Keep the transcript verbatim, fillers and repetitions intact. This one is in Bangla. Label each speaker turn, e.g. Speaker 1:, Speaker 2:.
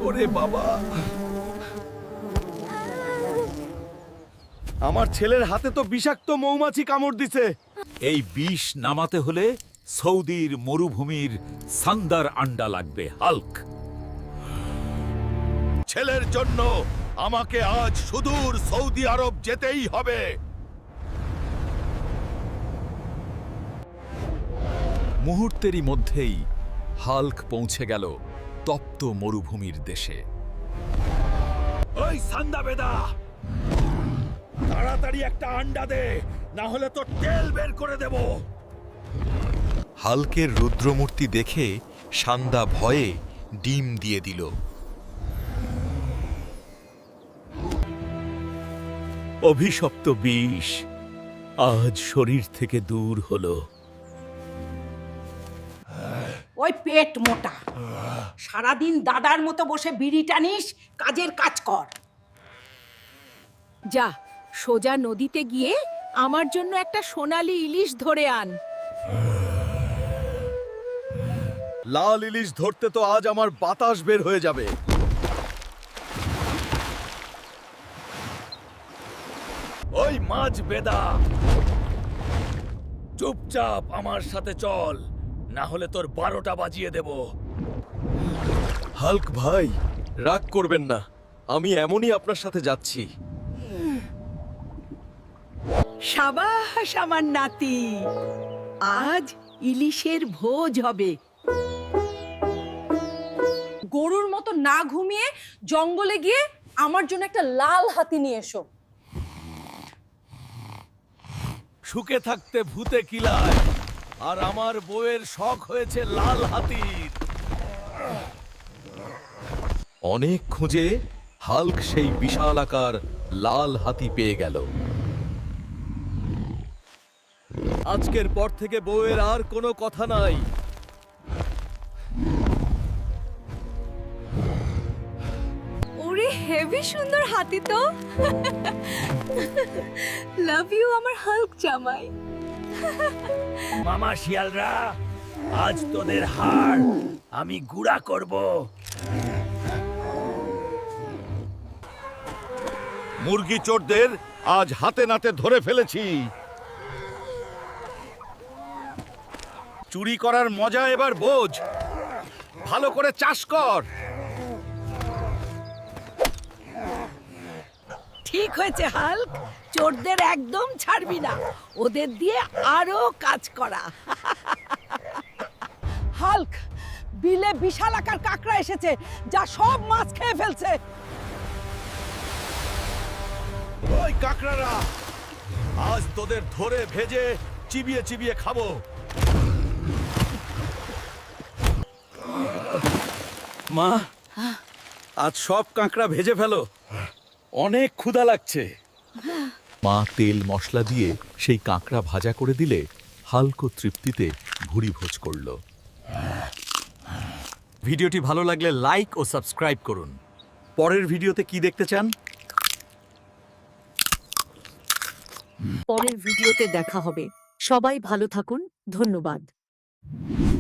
Speaker 1: ওরে বাবা, আমার ছেলের হাতে তো বিষাক্ত মৌমাছি কামড় দিছে।
Speaker 2: এই বিষ নামাতে হলে সৌদির মরুভূমির সান্দার আন্ডা লাগবে, হাল্ক।
Speaker 1: ছেলের জন্য আমাকে আজ সুদূর সৌদি আরব যেতেই হবে।
Speaker 2: মুহূর্তেরই মধ্যেই হাল্ক পৌঁছে গেল তপ্ত মরুভূমির দেশে।
Speaker 1: ওই সান্দা বেদা, তাড়াতাড়ি একটা আন্ডা দে, না হলে তো তেল বের করে দেব।
Speaker 3: হাল্কের রুদ্রমূর্তি দেখে সান্দা ভয়ে ডিম দিয়ে দিল।
Speaker 2: অভিশপ্ত বিষ আজ শরীর থেকে দূর হলো।
Speaker 4: ওই পেট মোটা, সারাদিন দাদার মতো বসে বিড়ি টানিস, কাজের কাজ কর।
Speaker 5: যা সোজা নদীতে গিয়ে আমার জন্য একটা সোনালী ইলিশ ধরে আন।
Speaker 1: লাল ইলিশ ধরতে তো আজ আমার বাতাস বের হয়ে যাবে। ওই মাছ বেদা, চুপচাপ আমার সাথে চল, না হলে তোর বারোটা বাজিয়ে দেব। হাল্ক ভাই, রাগ করবেন না, আমি এমনই আপনার সাথে যাচ্ছি।
Speaker 5: সাবাস আমার নাতি, আজ ইলিশের ভোজ হবে।
Speaker 6: গরুর মতো না ঘুমিয়ে জঙ্গলে গিয়ে আমার জন্য একটা লাল হাতি নিয়ে এসো।
Speaker 1: সুখে থাকতে ভূতে কিলায়, আর আমার বউয়ের শখ হয়েছে লাল হাতির।
Speaker 3: অনেক খুঁজে হাল্ক সেই বিশালাকার লাল হাতি পেয়ে গেল।
Speaker 1: আজকের পর থেকে বউয়ের আর কোনো কথা নাই।
Speaker 6: ওরে হেভি সুন্দর হাতি তো। লাভ ইউ আমার হাল্ক জামাই।
Speaker 1: মামা শিয়ালরা, আজ তোদের হাড় আমি গুঁড়া করব। মুরগি চোরদের আজ হাতে নাতে ধরে ফেলেছি। চুরি করার মজা এবার বোঝ, ভালো করে চাষ কর।
Speaker 5: ঠিক হয়েছে হাল্ক, চোরদের একদম ছাড়বি না, ওদের দিয়ে আরো কাজ করা।
Speaker 4: হাল্ক, বিলে বিশাল আকার কাঁকড়া এসেছে, যা সব মাছ খেয়ে ফেলছে।
Speaker 1: ওই কাকড়ারা, আজ তোদের ধরে ভেজে চিবিয়ে চিবিয়ে খাবো। মা, আজ সব কাঁকড়া ভেজে ফেলো, অনেক ক্ষুধা লাগছে।
Speaker 2: মা তেল মশলা দিয়ে সেই কাঁকড়া ভাজা করে দিলে হাল্ক তৃপ্তিতে ভুরি ভোজ করল।
Speaker 1: ভিডিওটি ভালো লাগলে লাইক ও সাবস্ক্রাইব করুন। পরের ভিডিওতে কি দেখতে চান?
Speaker 7: পরের ভিডিওতে দেখা হবে। সবাই ভালো থাকুন, ধন্যবাদ।